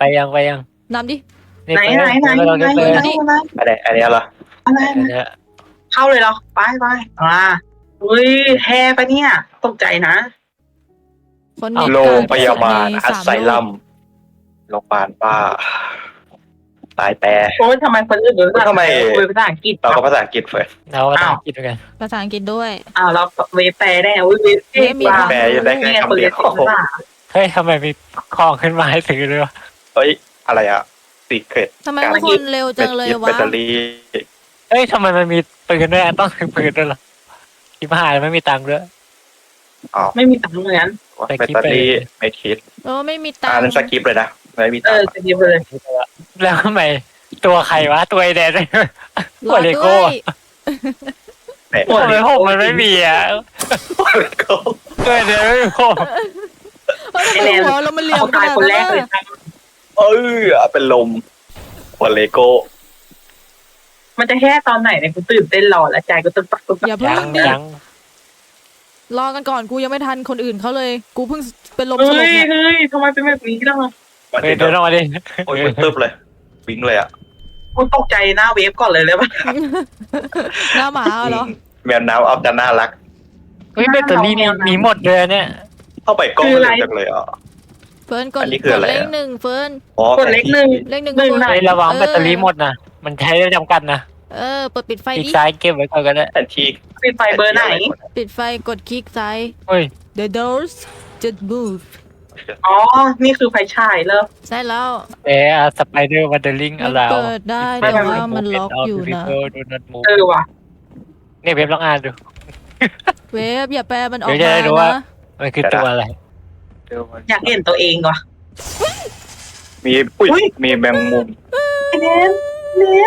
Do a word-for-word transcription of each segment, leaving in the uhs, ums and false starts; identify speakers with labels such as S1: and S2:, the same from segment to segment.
S1: ยังไปยัง
S2: นำดิ
S1: นี่
S3: ไหน
S1: ไป
S3: ไหนไหน
S1: เรา
S3: ไหน
S1: จะ
S3: ไห
S1: เจ
S3: น
S1: อ
S3: ไหน
S4: อะไรอันนี้เหรอ
S3: อะไร
S1: อันเนี้ย
S3: เข้าเลยเหรอไปไปอ่าอุ้ยแฮ่ปะเนี่ยตกใจนะ
S2: คนเน็ต
S4: โรงพยาบาล
S2: ใน
S4: อัส
S2: สาม
S4: ไซ
S2: โล
S4: ลั
S2: ก
S4: มโรงพยาบาลป้าตายแต่
S3: โอ้ยทำไมคนอื่นรู้จัก
S4: ทำไม
S3: คุยภาษาอังกฤษ
S4: เราก็ภาษาอังกฤษเฟิร์ส
S1: เราก็ต้องคิดเหมือนกัน
S2: ภาษาอังกฤษด้วย
S3: อ้าวเราเวฟแปลได้อุ้ยเวฟเก่งกว่า
S4: แปลได้แค่คำเดียว
S3: คนภาษา
S1: เฮ้ยทำไมมีของขึ้นมาให้ถือด้วยวะ
S4: เอ้ยอะไรอะซีเครต
S2: ทำไมทุกคนเร็วจังเลย
S4: แบ
S2: วะ
S4: ตเตอรี่
S1: เฮ้ยทำไมมันมีปืนด้วยอะต้องถือปืนด้วยเหรอที่มหาลัยไม่มีตังค์ด้วย
S4: อ๋อ
S3: ไม่มีตังค์เหมือนกัน
S1: แต่
S4: แบต
S1: คิด
S4: เตอ
S1: ไป
S4: รี่ไม่คิด
S2: เออไม่มีตั
S4: อ่าง น
S2: ค์
S4: นั้นสกิปเลยนะไม่มี
S3: เอ
S4: ตัง
S3: อ
S4: ค์
S3: จะดีเลย
S1: แล้วทำไมตัวใครวะตัวไอแดน
S2: ร
S1: หั
S2: อ
S1: วเล
S2: ด้
S1: โก้
S2: วย
S4: เนี่ย
S1: ทำไมผมมันไม่มีอ่ะ
S4: เลโก้
S1: ตัวไอแดนไม่มีผม
S2: เฮ้ยทำไมหัวเรามันเหลี่ย
S3: เอา
S2: มข
S3: ตาย
S2: นาด
S3: คนแร
S2: นั้
S3: ก
S2: น
S3: เลย
S2: อะ
S4: เออเป็นลมหัวเลโก้
S3: มันจะแฮ่ตอนไหนเนี่ยกูตื่นเต้นรอแล้วใจกูตึกตักตึกตัก
S2: อย่าเพิ่
S1: ยัง ง
S2: ดิ
S1: ยัง
S2: รอกันก่อนกูยังไม่ทันคนอื่นเขาเลย กูเพิ่งเป็นลมส
S3: เฮ้
S2: ลบ
S3: ย
S2: เนี่ย
S3: เฮ้ยทำไมเป็นแบบนี้ล่ะ
S4: มา
S1: เฮ้ย
S4: ถึง
S1: เดินออกมาดิ
S4: โอ้ยตึ๊บเลยวิ่งเลยอ่ะ
S3: กูตกใจหน้าเวฟก่อนเลยเลยป่ะ
S2: หน้าหมาเหรอ
S4: แมวน้ำเอาแต่น่ารัก
S1: เฮ้ยแบตเตอรี่มีมีหมดเลยเนี่ย
S4: เข้าไปกล้องเลยจังเลยอ่ะ
S2: เฟิร์นกด
S4: อันนี้คือก
S2: ด
S4: อะไร
S2: เลข
S4: อะ
S2: หนึ่งเฟิร์น
S4: อ๋อก
S3: ดเล็กหนึ่ง
S2: เลขหนึ่ง
S3: หนึ่ง
S2: เฟิร์
S3: ไหน
S1: เฮ้ยระวังแบตเตอรี่หมดนะมันใช้ได้จำกัดนะ
S2: เออเปิดปิดไฟ
S1: อีก
S2: ดิ
S1: ซ้ายเก็บไว้ก่อนก็ได้
S4: แทนที่
S3: ปิดไฟเบอร์ไหน
S2: ปิดไฟกดคลิกซ้าย
S1: เฮ้ย
S2: The doors just move
S3: อ๋อ นี่คือไฟฉายเลย
S2: ใช่แล้ว
S1: เออสไปเดอร์วันเดอร์ลิง
S2: มั
S1: อะ
S2: น
S1: ไร
S2: เปิดได้แต่ว่ามันล็อกอยู่นะ
S1: ดูนัดมู
S3: เออว่ะ
S1: เนี่ยเว็บลองอ่านดู
S2: เวฟอย่าแปลมันออก
S1: เดี๋ยวจะ
S2: มา
S1: ได้รู้ว่า
S2: นะ
S1: มันคือตัวอะไร
S3: อยากเห็นตัวเองว่ะ
S4: มีปุ้ยมีแมงมุม
S3: ไอ้เน้นเน้น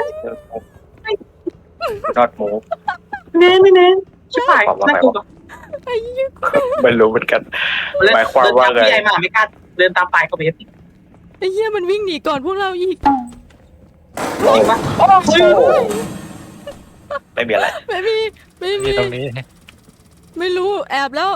S4: นอดหมู
S3: เน้นไม่เน้นชิบหายน่ากลัว
S4: ไม่รู้เหมือนกัน หมายความว่าไง
S3: เดินตพี่ใหญ่มาไม่กล้าเดินตามปลายกับเวฟ
S2: ไอ้เหี้ยมันวิ่งหนีก่อนพวกเราอีก
S3: จริงปะโอ้ย
S4: ไม่มีอะไร
S2: ไม่มีไม่
S1: มี
S2: มี
S1: ตรงนี้
S2: ไม่รู้แอบแล้ว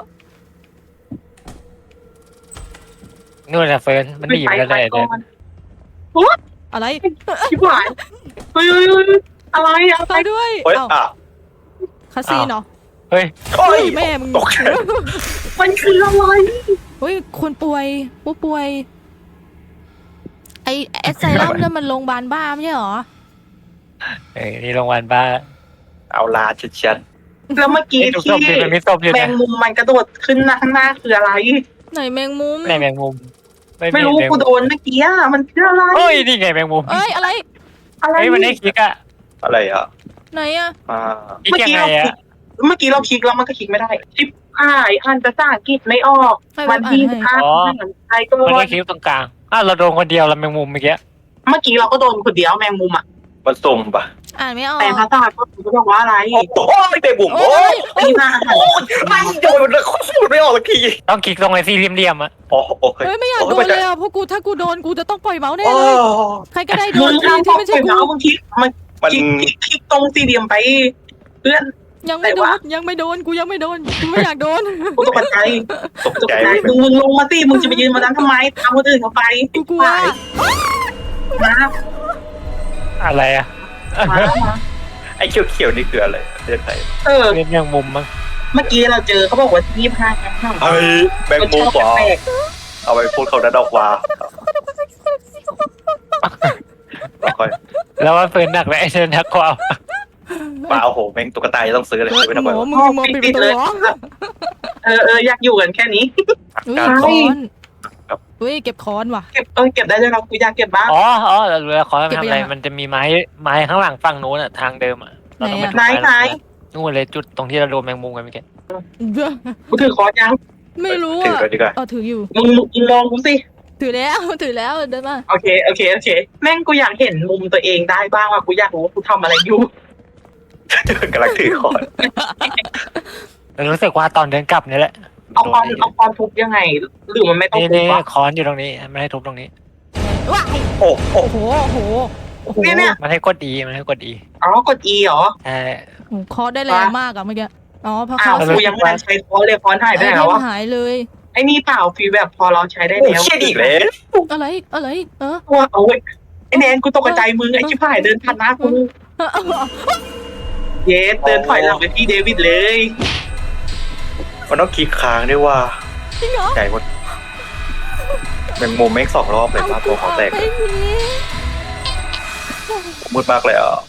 S1: นู่นนะเฟิร์นมันหนีไปกันได้
S3: ก่
S1: เลย
S3: อน
S2: อะไร
S3: ชิบหายเฮ้ยเฮ้ยเฮ้ยอะไรอะ
S2: ไปด้วย
S4: เฮ้ย
S2: เอ้า
S4: อ่ะ
S2: คาซีนเหรอ
S1: เฮ้ย
S4: โอ้
S2: เฮ้
S4: ย
S2: ยแม่มึง
S4: ตกใจ
S3: มันคืออะไร
S2: เฮ้ยคนป่วยผู้ป่วย ไอแอสไซลัมนั่นมันโรงพยาบาลบ้าไม่ใช่เหรอ
S1: เอ้ยนี่โรงพยาบาลบ้า
S4: เอาลาชัด
S3: แล้วเมื่อกี้
S1: นี่ถูกศ
S3: ที่
S1: พดิมันมีศพอยู่
S3: แม
S1: นะ
S3: งมุมมันกระโดดขึ้นหน้าข้างหน้าคืออะไร
S2: ไหนแมงมุม
S1: ในแมงมุม
S3: ไม่รู้กูโดนเมื่อกี้อะมันคืออะไร
S1: เฮ้ยนี่ไงแมงมุม
S2: เอ้ยอะไร
S3: อะไร
S1: เฮ้ยมันได้คลิกอะ
S4: ๆอะไรอ่ะ
S2: ไหนอะ
S4: อ่า
S1: คลิกยังไงอะ
S3: เมื่อกี้เราคลิกแล้วมันก็คลิกไม่ได้ชิปหายอ่านภาษาอังกฤษไม่ออก
S2: ให้
S3: วั
S2: เว็
S3: น
S2: บอ่า
S3: ที่
S2: นให้
S3: ห้าไทยก็
S1: มันได้คลิกตรงกลางอ้าวเราโดนคนเดียวเราแมงมุมเมื่อกี้
S3: เมื่อกี้เราก็โดนคนเดียวแมงมุมอ่ะ
S4: มันสุ่มปะ
S2: อ่านไม่ออก
S3: แต่ภาษาก็คือบอกว่าอะไร
S4: โอ้โหไม่เป็นบุ๋ม
S2: โอ้
S4: โอ้
S2: ย
S4: ย
S3: ตีหน้าอาหาร
S4: โอ้ยไม่โดนมันพูดไม่ออกสักที
S1: ต้องคลิกตรงไอ้สี่เหลี่ยมๆอะ
S4: อ๋อโอเค
S2: เฮ้ยไม่อยากโดนเลยอ่ะเพราะกูถ้ากูโดนกูจะต้องปล่อยเมาส์แน่
S4: โอ้
S2: เลยใครก็ได้โด
S3: มึ
S2: น
S3: ง
S2: ที
S3: ทำ
S2: ที่ไม่ใช่
S3: ไป
S2: กู
S3: แล้วมึงคลิกมัน
S4: มัน
S3: คลิกคลิกคลิกตรงสี่เหลี่ยมไปเพื่อน
S2: ยังไม่โด
S3: แต่
S2: น
S3: ว่า
S2: ยังไม่โดนกูยังไม่โดนกูไม่อยากโดน
S3: กูตกใจ
S4: ตก
S3: ตก
S4: ใจ
S3: ใจมึงมึงลงมาสิมึงจะไปยืนมานั้นทำไมตามคนอื่นเขาไป
S2: กูกลัว
S3: มา
S1: อะไรอะ
S3: มามา
S4: ไอ้เขียวๆนี่คืออะไรเรียกไทย
S3: เออ
S1: เล่นแมงมุมมั้ง
S3: เมื่อกี้เราเจอเขาบอกว่ายี่สิบห้าครั้ง
S4: เฮ้ยแมงมุมเหรอเอาไปพูดเขาดันออกมาค่อย
S1: แล้วว่าเฟิร์นหนักเลยไอ้เชิญนักกว่า
S4: มาโอ้โหแม่งตุ๊กตาจะต้องซื้อเลยไม่ทำ
S2: หม
S4: ไม
S2: อ
S4: วะ
S2: มึงมองปิดประตูเหรอ
S3: เออเอออยากอยู่กันแค่นี้
S2: อุ้ย
S4: การ
S2: ค้อนอุ้ยเก็บค้อนว่ะ
S3: เก็บเออเก็บได้ด้วยเรากูอยากเก็บบ้าง
S1: อ๋ออ๋อเรารู้แล้วขอ
S2: เก็บ
S1: ทำ
S2: ไป
S1: อะไร
S2: ยังอะ
S1: มันจะมีไม้ไม้ข้างหลังฝั่งโน้นอะทางเดิมอะเราต้องไปดู
S3: ไหนไหน
S1: นู่นเลยจุดตรงที่เราโดนแมงมุมกันเมื่อกี้
S3: กูถือคอยัง
S2: ไม่รู้
S4: ถือ
S2: อ่ะ
S4: เลยดีกว่า
S2: เอาถืออยู่
S3: มึงมึงมองกูสิ
S2: ถือแล้วถือแล้วเดินมา
S3: โอเคโอเคโอเคแม่งกูอยากเห็นมุมตัวเองได้บ้างว่ากูอยากรู้ว่ากูทำอะไรอยู่
S4: กำลังถือคอน
S1: แต่รู้สึกว่าตอนเดินกลับนี่แหละ
S3: เอาคอนเอาคอนทุบยังไง หรือมันไม่ต้อง
S1: นี่
S3: ทุบ
S1: นี่
S3: วะ
S1: คอนอยู่ตรงนี้ไม่ให้ทุบตรงนี้
S2: ว้าย
S4: โอ้โอ้
S2: โอ้โหโอ้โหโอ้โห
S3: เนี่ยเนี่ย
S1: มันให้กดดีมันให้กดดี
S3: อ๋อกด E เหรอ
S1: ใช่
S2: โอ้โหเคอได้แรงมากอะเมื่อกี้อ๋อเพราะ
S3: อ้าว
S2: เขา
S3: กูยังไม่ทันใช้คอนเลยคอนหายไป
S2: ไอ
S3: ไหน
S2: เท
S3: แล้ว
S2: ม
S3: วะ
S2: หายเลย
S3: ไอ้นี่เปล่าฟีลแบบพอเราใช้ได้
S4: โอ้
S3: แล้ว
S4: เชี่ยอีกแล้ว
S2: อะไรอะไรเออ
S3: ว่าโอ้ยไอ้แนนกูตกใจมึงไอ้ชิบหายเดินผ่านหน้ากู
S2: เออเออ
S3: เยสเดินถอยหลังไปที่เดวิดเลย
S4: มันต้องคลิกค้างด้วยว่า
S2: จริงเหรอ
S4: ใหญ่กว่าแมงมุมแม่งสองรอบเลย
S2: เอา
S4: ว่า
S2: กู
S4: ตัว
S2: อ
S4: เขา
S2: อก
S4: แตก
S2: ไปนี้
S4: มืดมากเลยอ่ะ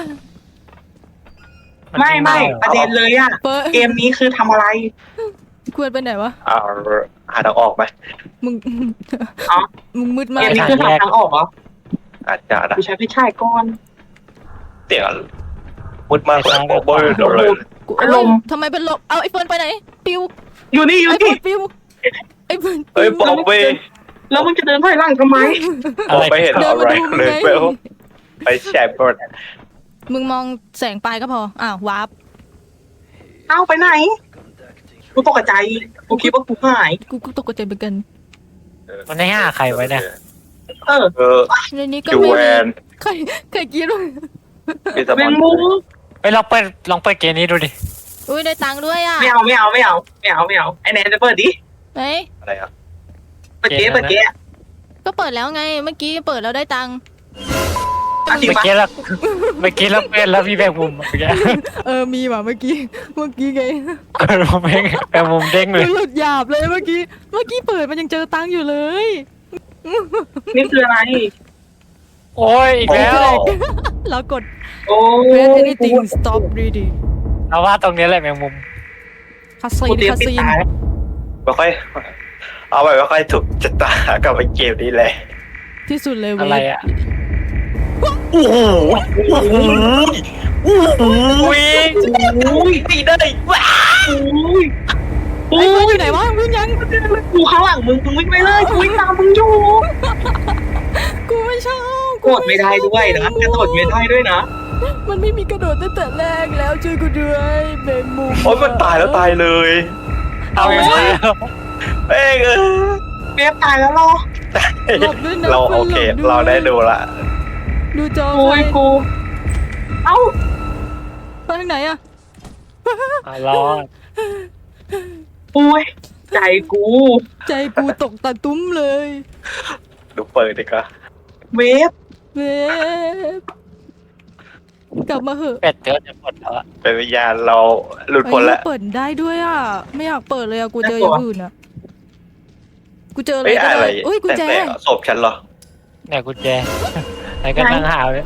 S3: ไม่ไม่ประเด็นเลยอะ
S2: เปิด
S3: เกมนี้คือทำอะไร
S2: ควรไปไหนวะ
S4: อ่าหาทางออกไหม
S2: มึง
S3: อ๋อ
S2: มึงมืด
S3: เก
S2: มาก
S3: มนี้คือหาทางออกเหรอ
S4: อาจจะนะ
S3: กูใช้พี่ชายก่อน
S4: เสียงมืดมากเลยโอ้โหเลย
S2: กู
S3: อารมณ์
S2: ทำไมเป็นลมเอาไอ้เฟิร์นไปไหนปิว
S3: อยู่นี่อยู่
S2: ไอ้เฟิ
S3: นี่
S2: ร์นปิวไอ้เฟิร์น
S4: เฮ้ยบ
S2: ปิว
S4: อกไป
S3: แล้วมึงจะเดินถอยหลังทำไม
S4: มองไปเห็น
S2: เดิน
S4: อะ
S2: มา
S4: ไร
S2: ดูมึง
S4: เลย
S2: ไง
S4: เปลไปแชร์บอร์ด
S2: มึงมองแสงปลายก็พออ้าววาร์ป
S3: เอ้าไปไหน กูตกใจ กูคิดว่ากูหาย
S2: กูกูตกใจเหมือนกัน
S1: มันให้ห้าใครไว้เนี่ย
S3: เออ
S4: เออ
S2: ในนี้ก็
S4: จู
S2: ไม่
S4: แว
S2: มี
S4: น
S2: ใครใครกินวะ
S4: พิซซ่า
S3: แม
S4: มอน
S3: งมุม
S1: ไปลองเปิดลองเปิดเกมนี้ดูดิ
S2: อุ้ยได้ตังค์ด้วยอ่ะ
S3: ไม่เอาไม่เอาไม่เอาไม่เอาไม่เอาไอแนนจะเปิดดิ
S2: เฮ้ย
S4: อะไรอ่ะ
S3: เปิดเจ๊เปิดเจ๊
S2: ก็เปิดแล้วไงเมื่อกี้เปิดแล้วได้ตังค์
S3: อ่ะจริง
S1: เมื่อ
S3: ปะ
S1: กี้แล้วเมื่อกี้แล้วเป็นแล้วพี่แบงมุมเมื่อกี้
S2: เออมีว่ะเมื่อกี้เมื่อกี้ไง
S1: กดมุมแบงแบงมุมเด้งเลย
S2: กูหลุดหยาบเลยเมื่อกี้เมื่อกี้เปิดมันยังเจอตังค์อยู่เลย
S3: นี่คืออะไร
S1: โอ้ยอีกแล้ว
S2: เรากด
S3: โอ้
S2: press anything stop reading
S1: เราว่าตรงนี้แหละแมงมุม
S2: คาซี
S3: กู
S2: น
S3: เตรียม
S2: คา
S3: ปิด
S2: ซีน
S3: ตา
S4: ไม่ค่อย เอาไปไม่ค่อยถูกชะตากับไอ้เกมนี้เลย
S2: ที่สุดเลยเว้
S1: อะไร
S2: ย
S1: อ่ะ
S4: โอ้โหโอ้โหโอ้โห
S1: วิ่ง
S3: อุ้ย
S4: ตีได้ว้า
S3: อุ้ย
S2: ไอ้
S3: อุ้
S2: เฟิร์นอย ยู่ไหนวะวิ่งยัง
S3: กูข้างหลังมึงมึงวิ่งไปเลยกูวิ่งตามมึงอยู่
S2: กูไม่ชอบ
S3: กดไม่ได้ด้วยนะกระโดดไม่ได้ด้วยนะ
S2: มันไม่มีกระโดดตั้งแต่แรกแล้วช่วยกูด้วยเบนมุม
S4: โอ้ยมันตายแล้วตายเลย
S1: เอาไปแล้ว
S4: เอ้ยเออ
S3: เว็บตายแล้วเหรอ
S2: หลบด้วยนะ
S4: เราโอเค
S2: หลบด้วย
S4: เราได้ดูละ
S2: ดูจอ
S3: โอ้
S2: ไฟ
S3: ยกู เอ้า
S2: ไปทางไหนอะ
S1: อ่ะรอด
S3: อุ้ยใจกู
S2: ใจกูตกตะตุ้มเลย
S4: ดูเปิดดีกว่า
S3: เว็บ
S2: เว็บกลับมาเหอะ
S1: เป็ดเจอจะหมดแล้วอะ
S4: เป็นวิญญาณเราหลุดพ้นแล้ว
S2: เปิดได้ด้วยอ่ะ ไม่อยากเปิดเลยอ่ะ กูเจออย่างอื่นอ่ะ กูเจออะไร
S4: เอ้ย
S2: ก็
S4: อะไร
S2: ได้อุ้ยกุญแจ
S4: แต่แต่ศพฉันเหรอ
S1: เนี่ยกุญแจไหนก็นั่งหาเลย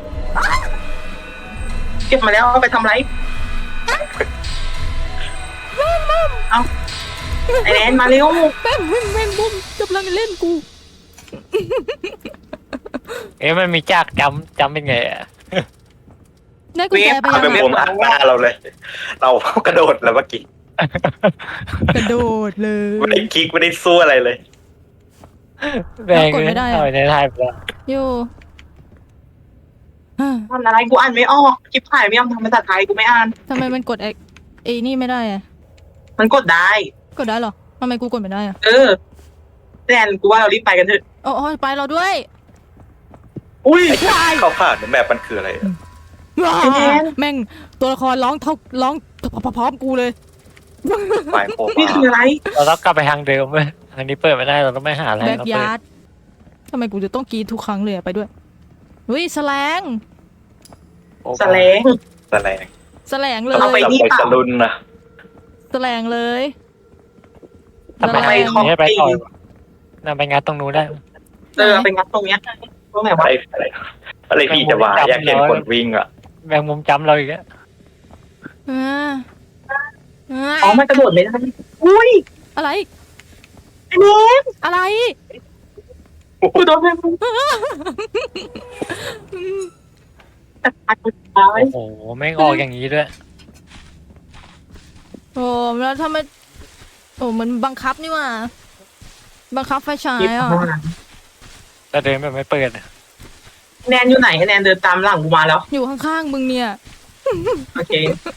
S3: เก็บมาแล้วเอาไปทำไรเอาไอแนนมาเร็ว
S2: แม่งแม่งแม่งบุ้มกำลังเล่นกู
S1: เอ๊ะมันมีจากจำจำเป็นไงอ่ะ
S2: ได้กุญแจไป
S4: มัน
S2: ยั
S4: เป็น
S2: ง
S4: มุมอัดหน้าเราเลย เรากระโดดแล้วเมื่อกี้
S2: กระโดดเลย
S4: ไม่ได้คลิกไม่ได้สู้อะไรเลย
S1: แบงเอาไปในไทยไปแล้ว
S2: อยู่ฮะ
S3: อ่านอะไรกูอ่านไม่ออกคลิปถ่ายไม่ยอมทำภาษาไทยกูไม่อ่าน
S2: ทำไมมันกดไอ้ไอ้นี่ไม่ได้อ่ะ
S3: มันกดได้
S2: กดได้เหรอทำไมกูกดไม่ได้อ่ะ
S3: เออแนนกูว่าเรารีบไปกันเถอะ
S2: อ๋อไปเราด้วย
S3: อุ้ย
S4: เข้าผ่านแมปมันคืออะไรอะ
S3: ไอ้แนน
S2: แม่งตัวละครร้องเท่าร้องพร้อมๆกูเลย
S4: ฝ่ายโค
S3: นี่
S4: มา
S3: คืออะไร
S1: เราต้องกลับไปทางเดิมเว้ยทางนี้เปิดไม่ได้เราต้องไม่หาอะไร
S2: แบ็ก
S1: เรา
S2: ยา
S1: เปิ
S2: ร์
S1: ด
S2: ดทำไมกูจะต้องกรีดทุกครั้งเลยอะไปด้วยวิสแลง
S3: แสลง
S4: แสลง
S2: แสลงเล
S3: เอาไป
S2: ย
S3: นี่
S4: ไป
S3: เปล่า
S4: สลุนนะ
S2: แสลงเลย
S1: ทำไม
S3: ทำไม
S1: ทาง
S3: เขา
S1: นี้ไปต่อยน่าไปงานตรงนู้นได้
S3: เออไปงัดตรงเนี้ยตรงไหนวะ
S4: อะไรอะไรอะไรพี่จะมาอยากเห็นคนวิ่งอ่ะ
S1: แมงมุมจำเราอีกแล้ว
S2: อ่าอ่า
S3: อ๋อมันกระโดดไม่ได้อุ้ย
S2: อะไร
S3: ไอ้แนน
S2: อะไร
S3: กูโดนแมงมุมแต่ตายกูตาย
S1: โอ้โหแม่งออกอย่างนี้ด้วย
S2: โอ้แล้วทำไมโอ้มันบังคับนี่หว่าบังคับไฟฉาย
S3: คลิป
S2: อ่ะ
S3: มา
S1: แต่เดินแบบไม่เปิดอะ
S3: แนนอยู่ไหนไอ้แนนเดินตามหลังกูมาแล้ว
S2: อยู่ข้างๆมึงเนี่ย
S3: โอเค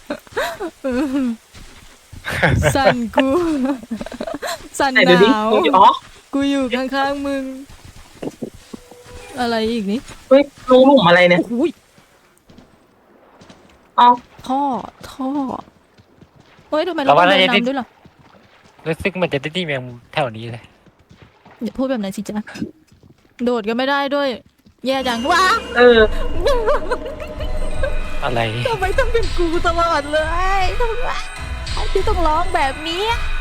S2: สั่นกู สั่น
S3: ไหน
S2: ห
S3: ดูดิ
S2: นาว
S3: มึงอยู่อ๋อ
S2: กูอยู่ข้างๆมึง อะไรอีกนี่
S3: เฮ้ยรูหลุมอะไรเนี่ย
S2: โอ้โหย
S3: อ๋อ
S2: ท่อท่อเฮ้ยทำไมเราต้องเดินนำด้วยล่ะ
S1: รู้สึกมันจะได้ที่แมงมุมแถวนี้เลย
S2: อย่าพูดแบบนั้นสิจ๊ะโดดก็ไม่ได้ด้วย แย่จังว้า
S3: เออ
S1: อะไร
S2: ทำไมต้องเป็นกูตลอดเลยทำไมที่ต้องร้องแบบนี้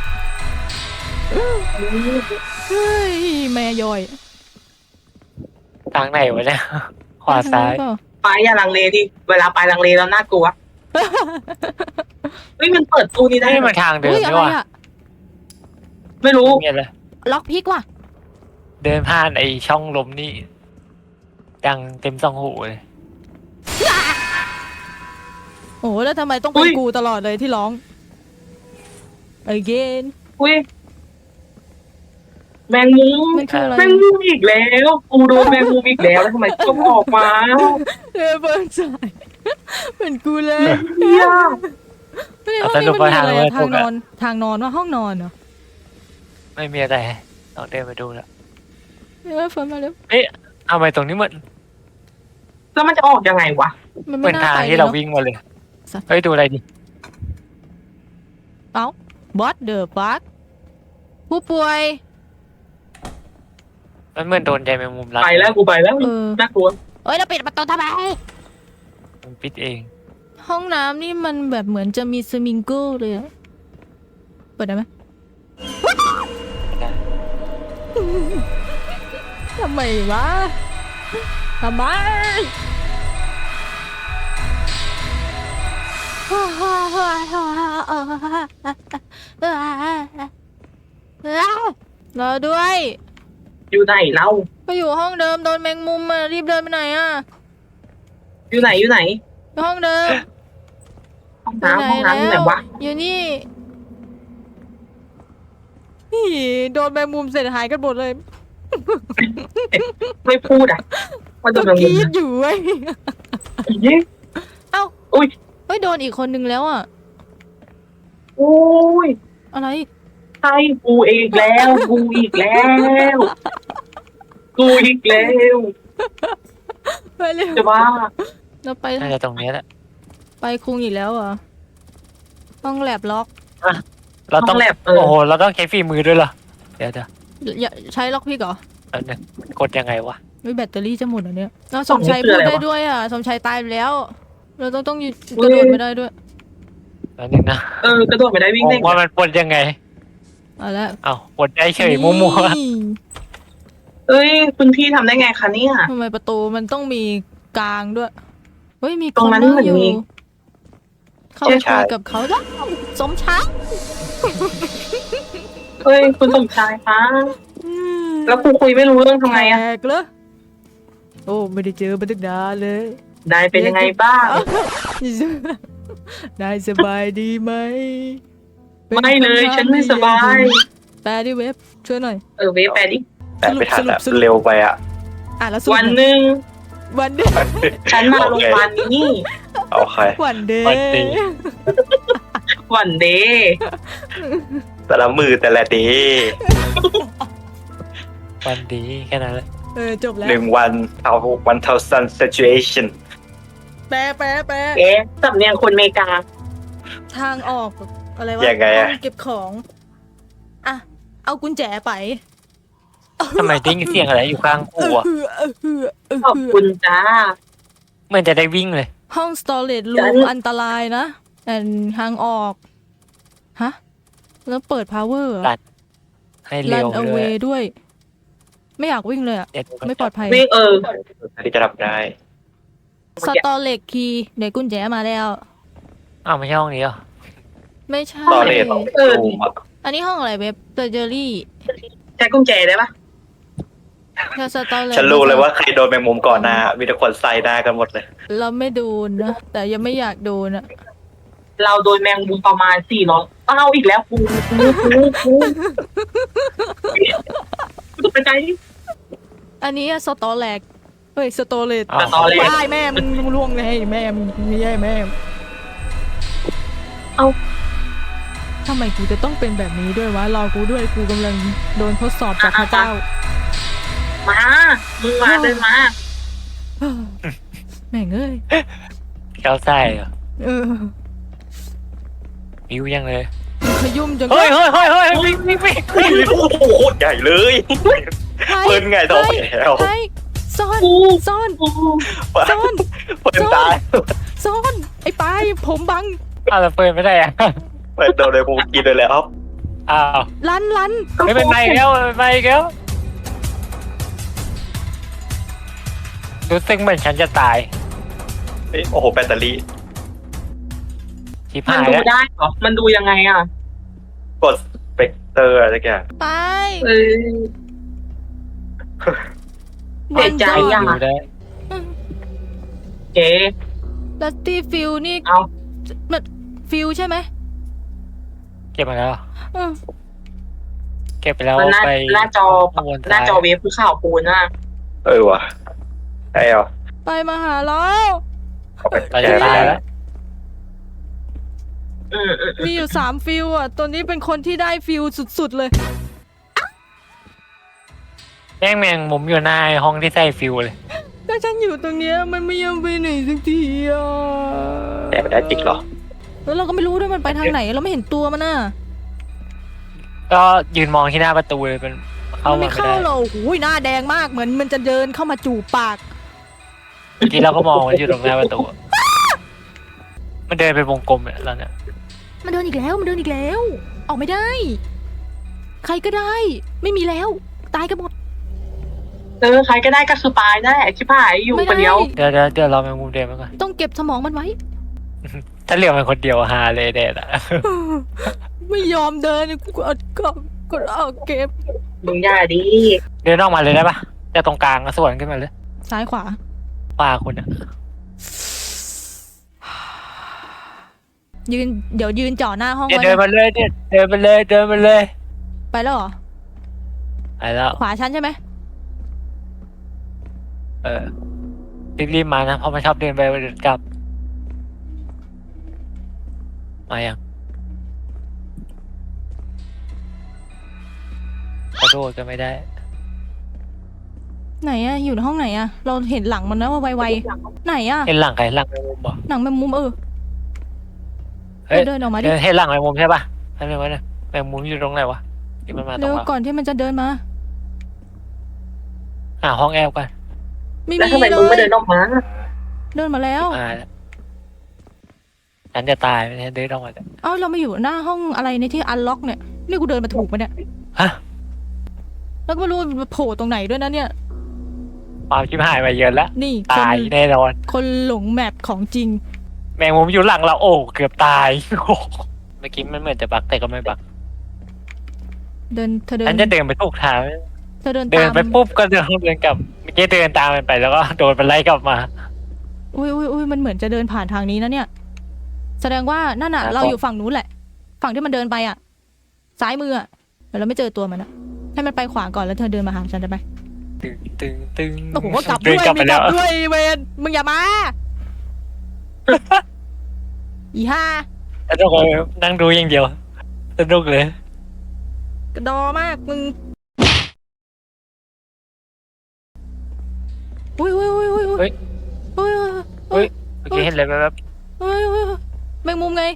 S2: เฮ้ยแม่ย่อย
S1: ทางไหนวะเนี่ย ขวาซ้าย
S2: เปล่
S3: ไปอย่าลังเลดิเวลาไปลังเลแล้วน่ากลัวเฮ้ยมันเปิดตู้นี้ได้
S1: นี่
S3: เหร
S1: มั
S3: อน
S1: ทางเดิน
S2: อุ้ย
S1: นี่
S2: อะไร
S1: ว่ะ
S2: อะ
S3: ไม่รู้
S1: เงียบเลย
S2: ล็อกพิกว่ะ
S1: เดินผ่านไอช่องลมนี่ดังเต็มสองหูเลย
S2: โอ้แล้วทำไมต้องเป็นกูตลอดเลยที่ร้อง again
S3: อุ้ยแมงมุม
S2: มันคืออะไร
S3: แมงมุมอีกแล้วกูโดนแมงมุมอีกแล้วแล้วทำไมต้องออกมา
S2: เออเปิดใจเป็นกูเลย
S3: เฮีย
S2: ไม่ได้ห้องนี้มันมีอะไรอะทางนอนทางนอนว่าห้องนอนเหรอ
S1: ไม่มีอะไรลองเดินไปดูแล้ว
S2: เออเฟิร์นมาเร็ว
S1: ทำไมตรงนี้มัน
S3: แล้วมันจะออกยังไงวะ
S2: มัน
S1: เห
S2: ไม่
S1: มือน
S2: น่า
S1: ทาง
S2: ไป
S1: ที่
S2: เลย
S1: เรา
S2: เนาะ
S1: วิ่งมาเลย
S2: สัตว์
S1: เฮ้ยดูอะไรดิ
S2: เอ้า what the fuck ผู้ป่วย
S1: มันเหมือนโดนใจแมงมุมรัด
S3: ไปแล้วกูไปแล้ว
S2: เออ
S3: น่ากลัว
S2: เอ้ยเราปิดประตูทำไม
S1: มันปิดเอง
S2: ห้องน้ำนี่มันแบบเหมือนจะมีสวิงเกิลเลยอะเปิดได้ไหม
S1: ได้
S2: ทำไมวะทำไมรอด้วย
S3: อยู่ไหนเล่า
S2: ก็อยู่ห้องเดิมโดนแมงมุมอ่ะรีบเดินไปไหนอ่ะ
S3: อยู่ไหนอยู่ไหน
S2: อยู่ห้องเดิม
S3: ห้องน้ำห้องน้ำอยู่ไหนวะ
S2: อยู่นี่นี่โดนแมงมุมเสร็จหายกันหมดเลย
S3: ไม่พูดอ่ะว่าโด
S2: ก็
S3: นแมง
S2: คิ
S3: มุม
S2: ดอยู่เว้ย
S3: เย้
S2: เอ้า
S3: อุ้ย
S2: เฮ้ยโดนอีกคนนึงแล้วอ่ะ
S3: โอ้ย
S2: อะไร
S3: ใช่กูอีกแล้วกูอีกแล้วกูอีกแล้ว
S2: ไปเร็ว
S3: จะบ้า
S2: เราไป
S1: น่าจะตรงนี้แหละ
S2: ไปคุงอีกแล้วเหรอห้องแลบล็อก
S1: เราต้อง
S3: ห้องแลบเออ
S1: โอ้โหเราต้องใช้ฝีมือด้วยเหรอเดี๋ยวเดี๋ยว
S2: อย่าใช้ล็อกพี่เหรอ
S1: แป๊บนึงกดยังไงวะ
S2: วิแบตเตอรี่จะหมดเหรอเนี่ยเราสมชัยพูดได้ด้วยอ่ะสมชัยตายไปแล้ว เราต้องต้องยืนกระโดดไม่ได้ด้วย
S1: แป๊บนึงนะ
S3: เออกระโดดไม่ได้วิ่ง
S1: ง
S3: ได้
S1: งว่ามันกดยังไง
S2: เอาละ
S1: เอ้ากดได้เฉยมั่ว
S2: นี่
S3: เอ้ยคุณพี่ทำได้ไงคะเนี่ย
S2: ทำไมประตูมันต้องมีกลางด้วยเฮ้ยมี
S3: ตรงนั้น
S2: ค
S3: เหมือน
S2: อยู่
S3: มี
S2: เข้าไปคุยกับเขาแล้วสมชาย
S3: เฮ้ยคุณสมชายคะแล้วกูคุยไม่รู้เรื่องทำไงอะ
S2: แขกเหรอโอ้ไม่ได้เจอมาตั้งนานเลย
S3: ได้เป็นยังไงบ้าง
S2: นายสบายดีไหมป็น
S3: ไม่เลย
S2: คำถา
S3: ฉันไม่สบาย
S2: แปลดิเว็บช่วยหน่อย
S3: เออเวฟแปดดิ
S4: แต่ไม่ทันอะ
S2: สรุป
S4: เร็วไปอ่ะ
S2: อ่ะแล้วสรุป
S3: วันหนึ่ง
S2: วันเดย์
S3: ฉันมาโรงพยาบาลนี้
S4: เอาใคร
S2: วันเด
S1: วันเด
S2: ย์
S1: ย์
S3: วันเดย์
S4: แต่ละมือแต่ละเดย์
S1: วันดีแค่นั้นแหละ
S2: เออจบแล้ว
S4: หนึ่งวันเอาวันเท่า sun situation
S2: แปลแปลแปล
S3: เอ๊ะสำเนียงคนอเมริกา
S2: ทางออกอะไรวะ
S4: ยังไงอะ
S2: ห้องเก็บของอ่ะเอากุญแจไป
S1: ทำไมได้ยินเสียงอะไรอยู่ข้างกูอะ
S2: เออเออเออเออ
S3: ขอบคุณจ้า
S1: เหมือนจะได้วิ่งเลย
S2: ห้อง storage
S3: ฉั
S2: room
S3: น
S2: อันตรายนะแอนทางออกฮะแล้วเปิด power เหรอ
S1: รัน ให้เร็
S2: run
S1: วเลย
S2: away ด้วย ไม่อยากวิ่งเลยอะ
S1: เดี๋ยวดู
S2: ไม่ปลอดภัย
S3: วิ่งเออ
S4: ที่จะทำได้
S2: storage key เดี๋ยวกุญแจมาแล้ว
S1: อ้าวไม่ใช่ห้องนี้เหรอ
S2: ไม่ใช่
S4: ตอนเลน
S3: เออ
S4: รูมอะ
S2: อันนี้ห้องอะไรเว็บเตอร์เจอรี่
S3: ใช้กุญแจได้ปะ
S2: แค่ storage
S4: ฉันรู้เลยว่าใครโดนแมงมุมก่อนหน้า มีแต่คนใส่หน้ากันหมดเลย
S2: เราไม่โดนนะ แต่ยังไม่อยากโดนอะ
S3: เราโดนแมงมุมประมาณสี่ร้อยเอาอีกแล้วกูกูกูกูกูไปใจดิ
S2: อันนี้สตอแลกเฮ้ยสตอเลต
S1: อ้าว
S3: ตอนแรก
S2: ได้แม่มันล่วงเลยแม่มันไม่ใช่แม่
S3: เอา
S2: ทำไมกูจะต้องเป็นแบบนี้ด้วยวะรอกูด้วยกูกำลังโดนทดสอบจากพระเจ้า
S3: มามึงมาเดินมา
S2: แม่งเอ้ย
S1: แก้วไส้เหรอ
S2: เออ
S1: วิวยังเลย
S2: ขยุ่มจัง
S1: เฮ้ยเฮ้ยเฮ้ยเฮ้ยวิ่งวิ่งวิ่ง
S4: เฮ้ยโอ้โหโคตรใหญ่เลย
S2: ไทย
S4: เปิ้ลไงต่อไปแล้ว
S2: ไทยซ่อนซ่อน
S3: กู
S2: ซ่อน
S4: เปิดตาย
S2: ซ่อนไอ้ปายผมบัง
S1: อ้าวแต่เปิดไม่ได้อะ
S4: เปิดโดนเลยผมกินเลยแล้ว
S1: อ้าว
S2: ลันลัน
S1: ไม่เป็นไรแล้วไม่เป็นไรแล้วรู้สึกเหมือนฉันจะตาย
S4: เฮ้ยโอ้โหแบตเตอรี่
S1: ชิบ
S3: มัน
S1: หาย
S3: ดู
S1: แล้ว
S3: ได้เหรอมันดูยังไงอ่ะ
S4: กดสเปกเตอร์อะไรสักอย่าง
S2: ไป
S3: เออ เสียใจอ่ะ
S1: ดูได้
S3: เจ๊
S2: ลัตตี้ฟิลนี่
S3: เอา
S2: มันฟิลใช่ไหม
S1: เก็บมาแล้ว
S2: อืม
S1: เก็บไปแล้ว
S3: มันหน้า
S1: ไป
S3: หน้าจอ
S1: ข้างบน
S3: หน้าจอ
S1: ซ้าย
S3: เวฟคือข่าวปูนอ่ะ
S4: เออว่ะไอ้เอา
S2: ไปมาหาเรา
S4: เอาไป
S1: เราจะตายแล้ว
S3: อืมอืม
S2: มีอยู่สามฟิลอ่ะ ตัวนี้เป็นคนที่ได้ฟิลสุดๆเลย
S1: แม่งแมงมุมอยู่หน้าห้องที่ใส่ฟิวเลย
S2: ถ้าฉันอยู่ตรงเนี้ยมันไม่ยอมไปไหนสักทีอ่ะ
S4: แต่ไม่ได้จริงเหรอ
S2: แล้วเราก็ไม่รู้ด้วยมันไปทางไหน เราไม่เห็นตัวมันน่ะ
S1: ก็ยืนมองที่หน้าประตูเลยเป็นเข้า
S2: มัน
S1: มา
S2: ไม่
S1: ไม่
S2: เข้า
S1: ได้
S2: หรอกโอ้ยหน้าแดงมากเหมือนมันจะเดินเข้ามาจูบปาก
S1: เมื่อกี้เราก็มองมันอยู่ตรงหน้าประตูมันเดินไปวงกลมเนี่ยแล้วเนี่ย
S2: มันเดินอีกแล้วมันเดินอีกแล้ว ออกไม่ได้ ใครก็ได้ ไม่มีแล้ว ตายกันหมด
S3: เออใครก็ได้ก็คือปายนั่นแหละชิบหายอยู่
S2: ไม่
S3: คน
S2: ได้
S3: เดียว
S1: เดี๋ยวเดี๋ยวเดี๋ยวเราแมงมุมเดินมาก่อน
S2: ต้องเก็บสมองมันไว้
S1: ถ้าเหลือมันคนเดียวฮาเลยเด็ดอะ
S2: ไม่ยอมเดินกูกดก็กดเอาเก็บ
S3: มึงอย่าดิ
S1: เดินออกมาเลยได้ปะจะตรงกลางก็สวนขึ้นมาเลย
S2: ซ้ายขวา
S1: ป้าคุณอะ
S2: ยืนเดี๋ยวยืนจ่อหน้าห้อง
S1: เดี๋ยว
S2: ไว้
S1: เดิน
S2: นะ
S1: มาเลยเดี๋ยวเดินมาเลยเดินมาเลย
S2: ไปแล้วเหรอ
S1: ไปแล้ว
S2: ขวาฉันใช่ไหม
S1: เออรีบๆมานะเพราะมันชอบเดินไปเดินกลับมายังกระโดดก็ไม่ได้
S2: ไหนอะอยู่ในห้องไหนอะเราเห็นหลังมันนะว่าไวๆไหนอะ
S1: เห็นหลังใครหลังแมงมุมบ่
S2: หนังแมงมุมเออ
S1: เฮ้ย
S2: เดินออกมาดิ
S1: เดินเห็นหลังแมงมุมใช่ปะอันนี้วะเนี่ยแมงมุมอยู่ตรงไหนวะที่มันมาตร
S2: เร็
S1: ง
S2: ว
S1: เรา
S2: ก่อนที่มันจะเดินมา
S1: หาห้องแอลกัน
S2: ไม่
S3: แล้ว
S2: มี
S3: ทำไม
S2: เล
S3: มึงไม่
S2: ย
S3: เดินออกมา
S2: เดินมาแล้ว
S1: มาแล้วฉันจะตายไม่ใช่เดินออกมาเนี่ย
S2: เอ้าเรามาอยู่หน้าห้องอะไรในที่อันล็อกเนี่ยนี่กูเดินมาถูกปะเนี่ย
S1: ฮะ
S2: แล้วก็ไม่รู้มันโผล่ตรงไหนด้วยนะเนี่ย
S1: ความชิบหายไปเยอะแล้ว
S2: นี่ค
S1: ตาย
S2: น
S1: แน่นอน
S2: คนหลงแมปของจริง
S1: แมงมุมอยู่หลังเราโอ้เกือบตาย โอ้เมื่อกี้มันเหมือนจะบักแต่ก็ไม่บัก
S2: เดินเธอเดิน
S1: ฉันจะเดินไปถูกทาง
S2: เธอเดิน
S1: เดิน
S2: ตาม
S1: ไปปุ๊บก็เดินเดินกลับเมื่อกี้เดินตามมันไปแล้วก็โดนมันไล่กลับมา
S2: อุ้ยอุ้ยอุ้ยมันเหมือนจะเดินผ่านทางนี้นะเนี่ย แสดงว่านั่นน่ะ
S1: ครับ
S2: เราอยู่ฝั่งนู้นแหละ ฝั่งที่มันเดินไปอ่ะ ซ้ายมืออ่ะแต่เราไม่เจอตัวมันอะให้มันไปขวาก่อนแล้วเธอเดินมาหาฉันได้ไหม
S1: ตึงตึงตึง
S2: โอ้โหกลับ
S1: เดิ
S2: ด้
S1: น
S2: วย
S1: กลับไป
S2: มีก
S1: แล้
S2: ลั
S1: ว
S2: บด้วยเวนมึงอย่ามา อีห้า
S1: สนุกเลยนั่งดูอย่างเดียวสนุกเลย
S2: กระดอมากมึงอุ้ยอุ้ยอุ้ยอุ้ยอุ้ยอุ้ย
S1: เฮ้ยเมื่อกี้เห็นเลยแบบ
S2: อุ้ยอุ้ยแมงมุมไง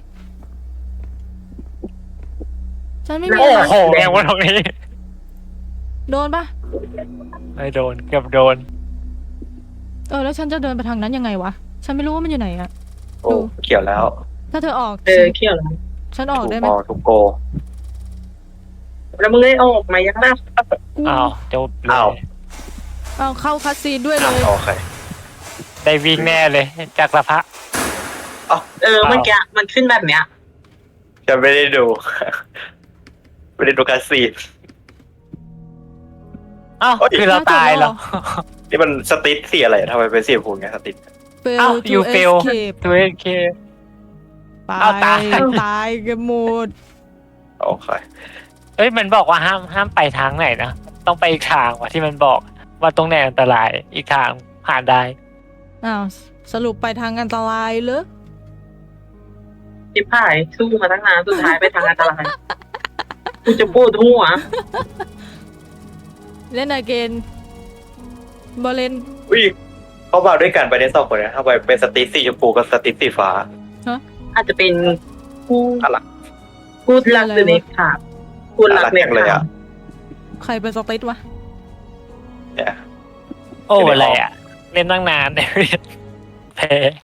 S2: ฉันไม่มี
S1: โอ้
S2: อะไร
S1: โหแมงวันตรงนี้
S2: โดนปะ
S1: ไม่โดนเกือบโดน
S2: เออแล้วฉันจะเดินไปทางนั้นยังไงวะ ฉันไม่รู้ว่ามันอยู่ไหนอะ
S4: โอ้เขียวแล้ว
S2: ถ้าเธอออก
S3: เออเขี้ยวแล้ว
S2: ฉันออก
S4: ถูก
S2: ได้ไหม
S4: มอถูกโก
S3: แล้วมึงได้ออกมายังนะ
S1: อ้าวจบเล
S4: อ้าว
S1: ย
S2: เอาเข้าคัสซีนด้วยเล
S4: อ่ะ
S2: ย
S4: โอเค
S1: ได้วิ่งแน่เลยจากสภาพ
S3: เออเมื่อกี้มันขึ้นแบบเนี้ย
S4: จะไม่ได้ดู ไม่ได้ดูการซีน
S1: อ้าว
S4: เฮ้ย
S1: คือเราตายแล้ว
S4: นี่มันสติ๊ดสีอะไรทำไมเป็นสีชมพูไงสติ๊ด
S2: เฟล
S1: อ้าว
S2: ทู
S1: you
S2: เอ
S1: fail
S2: สเคป
S1: ตัวเองเค
S2: ตา
S1: อ้าวตาย
S2: ยตายกันหมด
S4: โอเค
S1: เอ้ยมันบอกว่าห้ามห้ามไปทางไหนนะต้องไปอีกทางว่ะที่มันบอกว่าตรงไหนอันตรายอีกทางผ่านได้
S2: อ้าวสรุปไปทางอันตรายเหรอ
S3: ชิบหายสู้มาตั้งนานสุดท้ายไปทางอันตรายกูจะพูดหัว
S2: เล่นอเกนบอลเลน
S4: อุ้ยเขามาด้วยกันไปในสองคนนะทำไมเป็นสติ๊ดสีชมพูกับสติ๊ดสีฟ้า
S3: อาจจะเป็นผู้
S4: อะไร
S3: กูรักเดเน็กค่ะกูรักเน็ก
S4: เลย
S3: ค่ะ
S4: อ่ะ
S2: ใครเป็นสติ๊ดวะ
S4: เนี่ย
S1: โอ้อะไรอ่ะ เล่นตั้งนานแต่แพ้